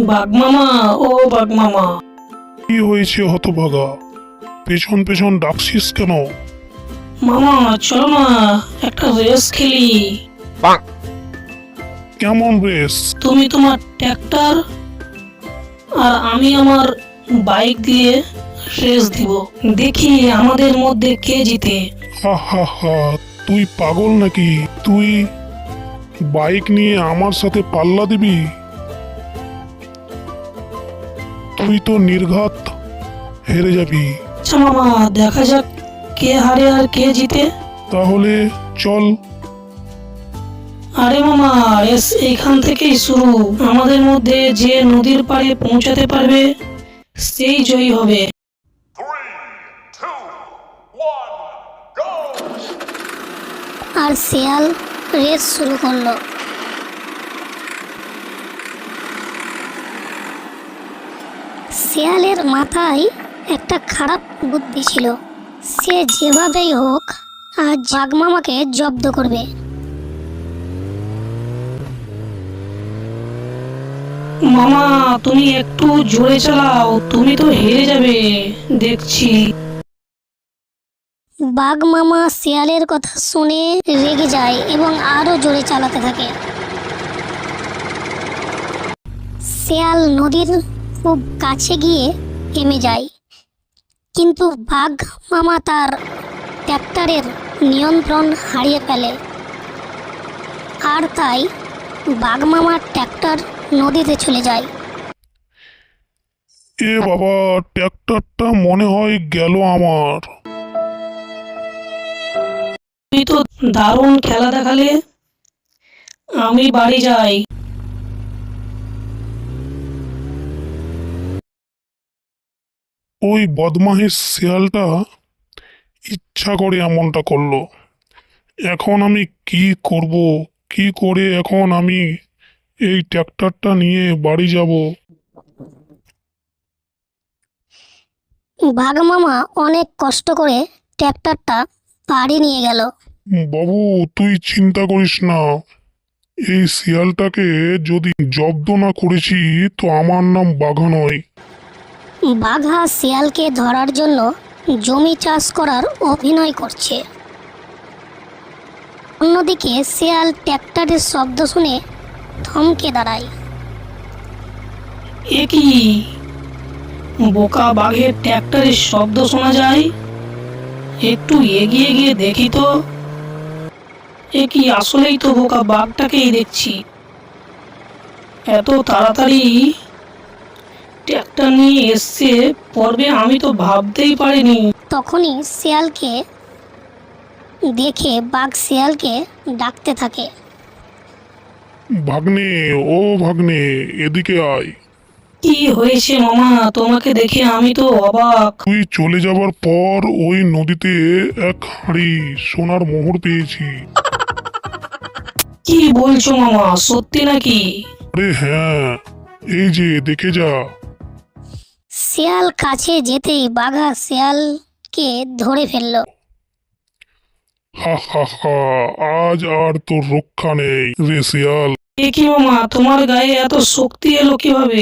বাঘ মামা, ও বাঘ মামা। কি হয়েছে হতভাগা? পেছন পেছন ডাকছিস কেন? মামা চলো না, একটা রেস খেলি। কেমন রেস? তুমি তোমার ট্র্যাক্টর আর আমি আমার বাইক দিয়ে রেস দিব, দেখি আমাদের মধ্যে কে জিতে। হা হা হা, তুই পাগল নাকি? তুই বাইক নিয়ে আমার সাথে পাল্লা দিবি? তুই তো নির্ঘাত হেরে যাবি। আচ্ছা মামা, দেখা যাক কে হারে আর কে জিতে। তাহলে চল। আরে মামা, রেস এইখান থেকেই শুরু। আমাদের মধ্যে যে নদীর পাড়ে পৌঁছাতে পারবে সেই জয়ী হবে। 3, 2, 1, go! আর শিয়াল রেস শুরু করলো। শিয়ালের মাথায় একটা খারাপ বুদ্ধি ছিল। সে যেভাবেই হোক আজ বাঘ মামাকে জব্দ করবে। মামা তুমি একটু জোরে চালাও, তুমি তো হেরে যাবে দেখছি। বাঘ মামা শিয়ালের কথা শুনে রেগে যায় এবং আরো জোরে চালাতে থাকে। শিয়াল নদীর খুব কাছে গিয়ে থেমে যায়, কিন্তু বাঘ মামা তার ট্র্যাক্টরের নিয়ন্ত্রণ হারিয়ে ফেলে। আর তাই বাঘ মামার ট্র্যাক্টর নদীতে চলে যায়। এ বাবা, ট্র্যাক্টরটা মনে হয় গেল আমার। তুমি তো দারুণ খেলা দেখালে, আমি বাড়ি যাই। ওই বদমাইশ শিয়ালটা ইচ্ছা করে এমনটা করলো। এখন আমি কি করব? কি করে এখন আমি এই ট্র্যাক্টরটা নিয়ে বাড়ি যাব? বাঘ মামা অনেক কষ্ট করে ট্র্যাক্টরটা বাড়ি নিয়ে গেল। বাবু, তুই চিন্তা করিস না। এই শিয়ালটাকে যদি জব্দ না করেছি তো আমার নাম বাঘা নয়। বাঘা শিয়ালকে ধরার জন্য জমি চাষ করার অভিনয় করছে। অন্যদিকে শিয়াল ট্র্যাক্টরের শব্দ শুনে থমকে দাঁড়ায়। এ কি, বোকা বাঘের ট্র্যাক্টরের শব্দ শোনা যায়? একটু এগিয়ে গিয়ে দেখি তো। এ কি, আসলেই তো বোকা বাঘটাকেই দেখছি। এত তাড়াতাড়ি ট্র্যাক্টর নিয়ে এসছে পর্বে, আমি তো ভাবতেই পারিনি। তখনই শিয়ালকে দেখে বাঘ শিয়ালকে ডাকতে থাকে। ভাগ্নে, ও ভাগ্নে, এদিকে আয়। কি হয়েছে মামা? তোমাকে দেখে আমি তো অবাক। তুই চলে যাবার পর ওই নদীতে এক হাঁড়ি সোনার মোহর পেয়েছি। কি বলছো মামা, সত্যি নাকি? আরে হ্যাঁ, এই যে দেখে যা। শিয়াল কাছে যেতেই বাঘা শিয়ালকে ধরে ফেলল। হা হা হা, আজ আর তোর রক্ষা নেই রে শিয়াল। এ কি মামা, তোমার গায়ে এত শক্তি এলো কিভাবে?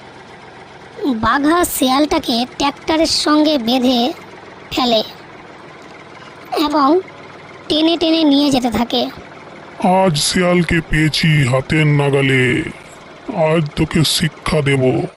বাঘা শিয়ালটাকে ট্র্যাক্টরের সঙ্গে বেঁধে ফেলে এবং টেনে টেনে নিয়ে যেতে থাকে। আজ শিয়ালকে পেয়েছি হাতের নাগালে। আজ তোকে শিক্ষা দেব।